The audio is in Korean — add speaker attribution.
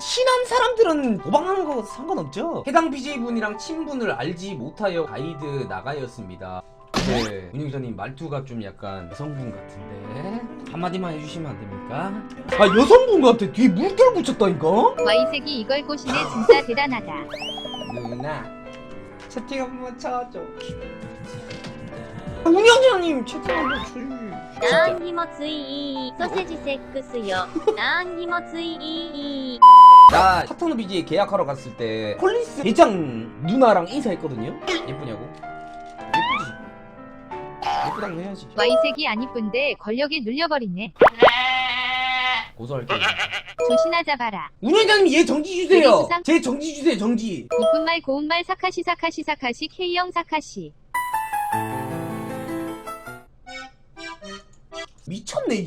Speaker 1: 친한 사람들은 도망하는 거 상관없죠? 해당 BJ분이랑 친분을 알지 못하여 가이드 나가였습니다. 네, 운영자님 말투가 좀 약간 여성분 같은데 한마디만 해주시면 안 됩니까? 아, 여성분 같아. 뒤에 물결 붙였다니까?
Speaker 2: Y색이 이걸 꼬시네. 진짜 대단하다.
Speaker 1: 누나 채팅 한번 쳐줘. 운영자님 채팅 한번 쳐줘.
Speaker 3: 何にもついソセジセックスよ何にもつい
Speaker 1: 나 파트너 BJ 계약하러 갔을 때 폴리스 대장 누나랑 인사했거든요? 예쁘냐고? 예쁘지? 예쁘다고 해야지.
Speaker 2: Y색이 안 이쁜데 권력에 눌려버리네.
Speaker 1: 고소할게요.
Speaker 2: 조신하자 봐라.
Speaker 1: 운영자님 얘 정지 주세요.
Speaker 2: 수상-
Speaker 1: 제 정지 주세요. 정지.
Speaker 2: 이쁜 말 고운 말 사카시 사카시 사카시 K형 사카시.
Speaker 1: 미쳤네.